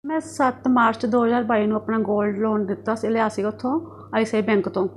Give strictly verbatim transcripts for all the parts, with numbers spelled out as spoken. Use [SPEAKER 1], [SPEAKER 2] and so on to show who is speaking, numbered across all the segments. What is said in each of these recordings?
[SPEAKER 1] मैं सत्त मार्च दो हज़ार बाई ਨੂੰ अपना गोल्ड लोन दिता ਸੀ लिया ਸੀਗਾ ਉੱਥੋਂ आई सी आई बैंक तो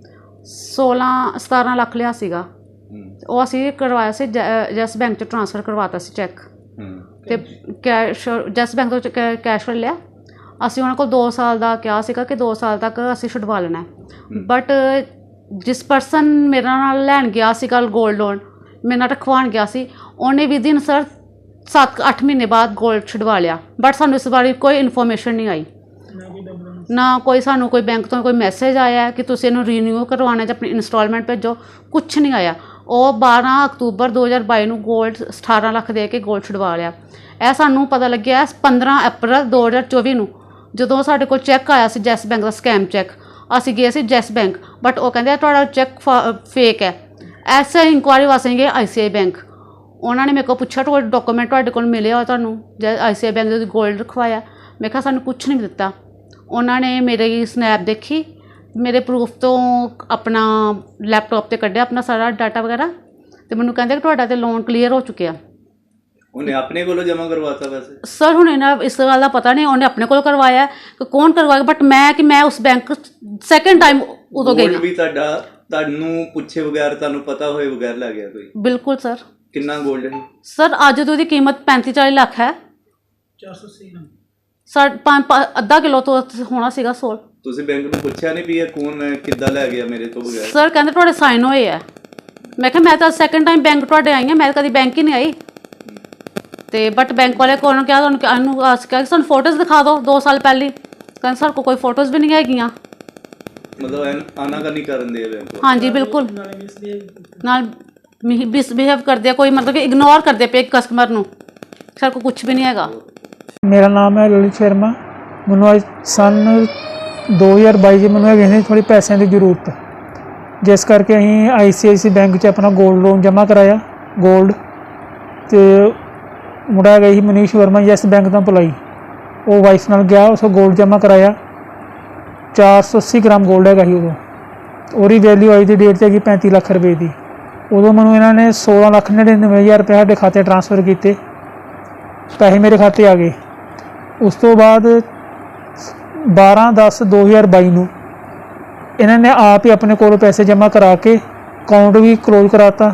[SPEAKER 1] सोलह सतारह ਲੱਖ ਲਿਆ ਸੀਗਾ ਉਹ ਅਸੀਂ ਕਰਵਾਇਆ ਸੀ ਜੈਸ ਬੈਂਕ 'ਚ ਟ੍ਰਾਂਸਫਰ ਕਰਵਾਤਾ ਸੀ ਚੈੱਕ ਤੇ ਕੈਸ਼ ਜੈਸ ਬੈਂਕ ਤੋਂ ਕੈਸ਼ ਲਿਆ ਅਸੀਂ ਉਹਨਾਂ ਕੋਲ ਦੋ ਸਾਲ ਦਾ ਕਿਹਾ ਸੀਗਾ ਕਿ ਦੋ ਸਾਲ ਤੱਕ ਅਸੀਂ ਛੁਡਵਾ ਲੈਣਾ ਬਟ ਜਿਸ ਪਰਸਨ ਮੇਰੇ ਨਾਲ ਲੈਣ ਗਿਆ ਸੀਗਾ ਗੋਲਡ ਲੋਨ ਮੇਰੇ ਨਾਲ ਰਖਵਾਉਣ ਗਿਆ ਸੀ ਉਹਨੇ ਵੀ ਦਿਨ ਸਰ सत्त अठ महीने बाद गोल्ड छुड़वा लिया बट सानू इस बारे कोई इन्फॉर्मेशन नहीं आई ना कोई सानू कोई बैंक तो कोई मैसेज आया कि तुसीं इहनूं रीन्यू करवाना जां अपनी इंस्टॉलमेंट भेजो कुछ नहीं आया। वो बारह अक्तूबर दो हज़ार बाई नूं गोल्ड अठारह लख दे के गोल्ड छुड़वा लिया। यह सानू पता लग्या पंद्रह अप्रैल दो हज़ार चौबी नूं जदों साडे कोल चैक आया सी जैस बैंक का स्कैम चैक असीं गए सी जैस बैंक बट वो कहंदे तुहाडा चैक फेक है। ऐसे इंक्वायरी वास्ते गए आई सी आई बैंक उन्होंने मेरे को पूछा तो डॉक्यूमेंट तुहाडे कोल मिले हो तुहानूं जै आई सी आई बैंक दे गोल्ड रखवाया मैं कहा सानूं कुछ नहीं दिता। उन्होंने मेरी स्नैप देखी मेरे प्रूफ तो अपना लैपटॉप ते कढ़िया अपना सारा डाटा वगैरह तो मैनूं कहंदे कि तुहाडा ते लोन क्लीयर हो चुकिया।
[SPEAKER 2] उन्हें अपने कोलों जमा करवाता वैसे
[SPEAKER 1] सर हुण इन्हां इस गल दा पता नहीं उन्हें अपने कोल करवाया कि कौन करवाया बट मैं कि मैं उस बैंक सैकेंड टाइम उदों गई
[SPEAKER 2] भी तुहाडा तुहानूं पुछे बगैर तुहानूं पता होए बगैर लै गया कोई
[SPEAKER 1] बिल्कुल सर
[SPEAKER 2] कितना गोल्ड है
[SPEAKER 1] सर अज तो कीमत पैंती चाली लाख है
[SPEAKER 3] चार सौ अस्सी ग्राम
[SPEAKER 1] सर अद्धा किलो तो होना सीगा सोल
[SPEAKER 2] तुसीं बैंक में पूछा नहीं भी कौन किद्दां लै गया मेरे तो बगैर
[SPEAKER 1] सर कहते तुहाडे साइन होए है मैं कहा मैं तो सैकेंड टाइम बैंक तुहाडे आई हाँ मैं कभी बैंक ही नहीं आई तो बट बैंक वाले को क्या क्या सानूं फोटोज़ दिखा दो दो साल पहले कहते सर को कोई फोटोज़ भी नहीं हैगियां
[SPEAKER 2] मतलब आना करनी करन दे बैंक
[SPEAKER 1] हाँ जी बिल्कुल नाल मिसबिहेव कर दिया कोई मतलब कि इग्नोर कर दिया पे कस्टमर नूं सर को कुछ भी नहीं हैगा।
[SPEAKER 3] मेरा नाम है ललित शर्मा मैनूं अज सन दो हज़ार बाई च मैनूं है थोड़ी पैसों की जरूरत जिस करके असीं आई सी आई सी बैंक च अपना गोल्ड लोन जमा कराया गोल्ड तो मुंडा है ही मनीष वर्मा यस बैंक का एम्पलॉई वो वाइफ नाल गया उस गोल्ड जमा कराया चार सौ अस्सी ग्राम गोल्ड है उदों और वैल्यू अज की डेट हैगी पैंती लख रुपए की उदों मैं इन्होंने सोलह लख नड़िनवे हज़ार रुपये साढ़े खाते ट्रांसफर किए पैसे मेरे खाते आ गए। उस तो बाद बारह दस दो हज़ार बाई नूं इन्होंने आप ही अपने कोलों पैसे जमा करा के अकाउंट भी क्लोज कराता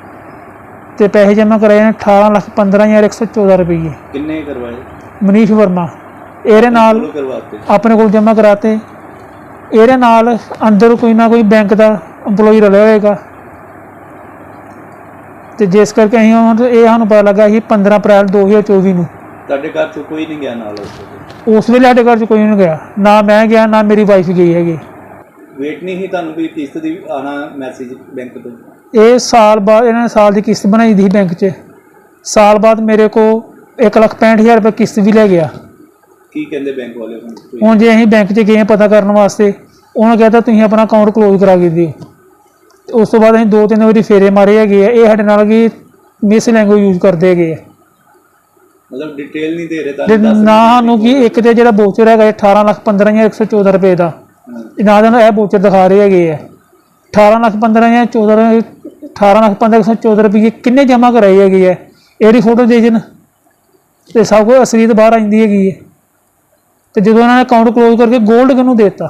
[SPEAKER 3] तो पैसे जमा कराए अठारह लख पंद्रह हज़ार एक सौ चौदह रुपये
[SPEAKER 2] किन्ने करवाए
[SPEAKER 3] मनीष वर्मा एरे नाल अपने को जमा कराते एरे नाल अंदर कोई ना कोई बैंक का एम्पलॉई रलिया होएगा तो जिस करके असीं हुण ये सानूं पता लगा कि पंद्रह अप्रैल दो हज़ार चौबी नूं
[SPEAKER 2] तुहाडे घर चों कोई नहीं गया नाल
[SPEAKER 3] उस वेले साडे घर च कोई नहीं गया ना मैं गया ना मेरी वाइफ गई हैगी।
[SPEAKER 2] वेट नहीं ही तुहानूं कोई किस्त दी आना मैसेज बैंक तो
[SPEAKER 3] ये साल बाद इन्होंने साल की किस्त बनाई दी बैंक च साल बाद मेरे को एक लख पैंठ हज़ार रुपये किस्त भी लै गया।
[SPEAKER 2] की कहंदे बैंक वाले
[SPEAKER 3] हुण जे असीं बैंक च गए पता करने वास्ते उन्होंने कहता तुसीं अपना अकाउंट क्लोज करा के दिओ उस तो बाद असीं दो तीन बारी फेरे मारे है ये साडे नाल कि मिस लैंगुएज यूज करते है
[SPEAKER 2] मतलब डिटेल नहीं दे रहे
[SPEAKER 3] ना सानूं कि एक तो जो बोचर है अठारह लख पंद्रह हज़ार एक सौ चौदह रुपये का ना तो यह बोचर दिखा रहे है अठारह लख पंद्रह हज़ार चौदह अठारह लख पंद्रह एक सौ चौदह रुपये किन्ने जमा कराई है ये फोटो दे जन तो सब कुछ असलीत बाहर आती है तो जो उन्होंने अकाउंट क्लोज करके गोल्ड किनूं देता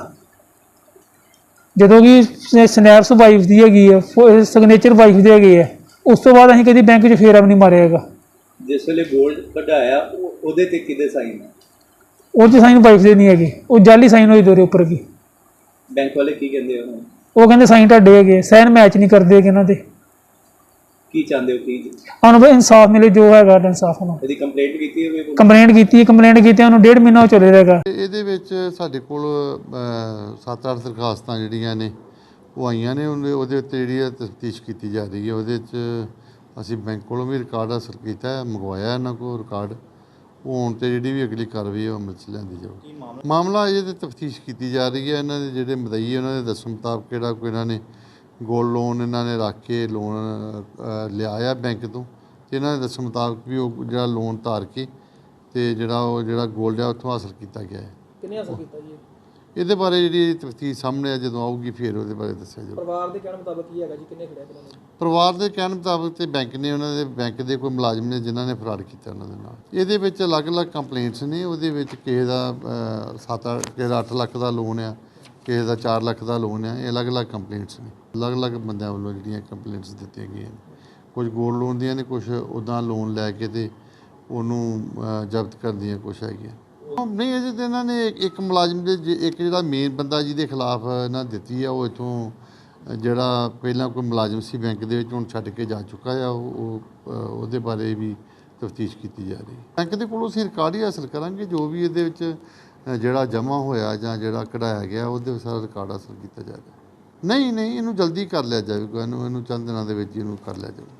[SPEAKER 3] जो कि स्नैप्स वाइफ की हैगी है सिग्नेचर वाइफ की हैगी है उस तो बाद असीं कभी बैंक च फेरा भी नहीं मारिया हैगा।
[SPEAKER 2] जिस वेले गोल्ड कढाया उहदे ते किहदे साइन है
[SPEAKER 3] उह च साइन वाइफ दे नहीं हैगे वो जाली साइन होई दोरे उपर की
[SPEAKER 2] बैंक वाले की कहंदे हो
[SPEAKER 3] वो कहंदे साइन तुहाडे हैगे साइन मैच नहीं करदे हैगे इन्हां दे
[SPEAKER 2] की चाहते हो की
[SPEAKER 3] ਸਾਨੂੰ ਬਈ इंसाफ मिले जो हैगा इंसाफ ਨੂੰ
[SPEAKER 2] ਇਹਦੀ ਕੰਪਲੇਂਟ ਕੀਤੀ ਹੋਵੇ
[SPEAKER 3] ਕੰਪਲੇਂਟ ਕੀਤੀ ਕੰਪਲੇਂਟ ਕੀਤੀ ਉਹਨੂੰ ਡੇਢ ਮਹੀਨਾ ਹੋ ਚੱਲੇ ਰਹੇਗਾ।
[SPEAKER 4] ਇਹਦੇ ਵਿੱਚ ਸਾਡੇ ਕੋਲ ਸੱਤ ਅੱਠ ਦਰਖਾਸਤਾਂ ਜਿਹੜੀਆਂ ਨੇ ਉਹ ਆਈਆਂ ਨੇ ਉਹਦੇ ਉੱਤੇ ਜਿਹੜੀ ਤਫਤੀਸ਼ ਕੀਤੀ ਜਾ ਰਹੀ ਹੈ। ਉਹਦੇ 'ਚ ਅਸੀਂ ਬੈਂਕ ਕੋਲੋਂ ਵੀ ਰਿਕਾਰਡ ਹਾਸਲ ਕੀਤਾ ਹੈ ਮੰਗਵਾਇਆ ਇਹਨਾਂ ਕੋਲ ਰਿਕਾਰਡ ਉਹ ਹੁਣ ਤੇ ਜਿਹੜੀ ਵੀ ਅਗਲੀ ਕਾਰਵਾਈ ਉਹ ਅਮਲ 'ਚ ਲਿਆਂਦੀ ਜਾਊਗੀ। ਮਾਮਲਾ ਇਹਦੇ ਤਫਤੀਸ਼ ਕੀਤੀ ਜਾ ਰਹੀ ਹੈ। ਇਹਨਾਂ ਦੇ ਜਿਹੜੇ ਮਦਈ ਉਹਨਾਂ ਦੇ ਦੱਸਣ ਮੁਤਾਬਕ ਕਿਹੜਾ ਕੋਈ ਇਹਨਾਂ ਨੇ गोल्ड लोन इन्होंने रख के लोन लिया बैंक तो इन्होंने दस मुताबिक भी वो जो लोन तार के तो जोड़ा वो जो गोल्ड है उतों हासिल किया गया है। ਇਹਦੇ ਬਾਰੇ ਜਿਹੜੀ ਤਫਤੀਸ਼ ਸਾਹਮਣੇ ਆ ਜਦੋਂ ਆਊਗੀ ਫਿਰ ਉਹਦੇ ਬਾਰੇ ਦੱਸਿਆ ਜਾਊਗਾ।
[SPEAKER 5] ਪਰਿਵਾਰ ਦੇ ਕਹਿਣ ਮੁਤਾਬਕ ਕੀ ਹੈਗਾ ਜੀ, ਕਿੰਨੇ ਖੜਿਆ ਇਹਨਾਂ ਨੇ?
[SPEAKER 4] ਪਰਿਵਾਰ ਦੇ ਕਹਿਣ ਮੁਤਾਬਕ ਤੇ ਬੈਂਕ ਨੇ ਉਹਨਾਂ ਦੇ ਬੈਂਕ ਦੇ ਕੋਈ ਮੁਲਾਜ਼ਮ ਨੇ ਜਿਨ੍ਹਾਂ ਨੇ ਫਰਾਡ ਕੀਤਾ ਉਹਨਾਂ ਦੇ ਨਾਲ। ਇਹਦੇ ਵਿੱਚ ਅਲੱਗ-ਅਲੱਗ ਕੰਪਲੇਂਟਸ ਨੇ। ਉਹਦੇ ਵਿੱਚ ਕਿਸੇ ਦਾ ਅ, ਸੱਤ ਕਿਸੇ ਦਾ ਅੱਠ ਲੱਖ ਦਾ ਲੋਨ ਆ, ਕਿਸੇ ਦਾ ਚਾਰ ਲੱਖ ਦਾ ਲੋਨ ਆ। ਇਹ ਅਲੱਗ-ਅਲੱਗ ਕੰਪਲੇਂਟਸ ਨੇ, ਅਲੱਗ-ਅਲੱਗ ਬੰਦਿਆਂ ਵੱਲੋਂ ਜਿਹੜੀਆਂ ਕੰਪਲੇਂਟਸ ਦਿੱਤੀਆਂ ਗਈਆਂ ਨੇ। ਕੁਝ ਗੋਲਡ ਲੋਨ ਦੀਆਂ ਨੇ, ਕੁਝ ਉੱਦਾਂ ਲੋਨ ਲੈ ਕੇ ਤੇ ਉਹਨੂੰ ਅ, ਜ਼ਬਤ ਕਰਨ ਦੀਆਂ ਕੁਛ ਹੈਗੀਆਂ। ਨਹੀਂ, ਅਜੇ ਤਾਂ ਇਹਨਾਂ ਨੇ ਇੱਕ- ਇੱਕ ਮੁਲਾਜ਼ਮ ਦੇ ਜੇ- ਇੱਕ ਜਿਹੜਾ ਮੇਨ ਬੰਦਾ ਜਿਹਦੇ ਖਿਲਾਫ ਇਹਨਾਂ ਦਿੱਤੀ ਆ, ਉਹ ਇੱਥੋਂ ਜਿਹੜਾ ਪਹਿਲਾਂ ਕੋਈ ਮੁਲਾਜ਼ਮ ਸੀ ਬੈਂਕ ਦੇ ਵਿੱਚ, ਹੁਣ ਛੱਡ ਕੇ ਜਾ ਚੁੱਕਾ ਆ। ਉਹ ਉਹ, ਅ, ਉਹਦੇ ਬਾਰੇ ਵੀ ਤਫਤੀਸ਼ ਕੀਤੀ ਜਾ ਰਹੀ ਹੈ। ਬੈਂਕ ਦੇ ਕੋਲੋਂ ਅਸੀਂ ਰਿਕਾਰਡ ਹੀ ਹਾਸਲ ਕਰਾਂਗੇ, ਜੋ ਵੀ ਇਹਦੇ ਵਿੱਚ ਅ, ਜਿਹੜਾ ਜਮ੍ਹਾਂ ਹੋਇਆ ਜਾਂ ਜਿਹੜਾ ਕਢਾਇਆ ਗਿਆ ਉਹਦੇ ਸਾਰਾ ਰਿਕਾਰਡ ਹਾਸਲ ਕੀਤਾ ਜਾਏਗਾ। ਨਹੀਂ ਨਹੀਂ, ਇਹਨੂੰ ਜਲਦੀ ਕਰ ਲਿਆ ਜਾਵੇਗਾ, ਇਹਨੂੰ ਇਹਨੂੰ ਚੰਦ ਦਿਨਾਂ ਦੇ ਵਿੱਚ ਇਹਨੂੰ ਕਰ ਲਿਆ ਜਾਵੇਗਾ।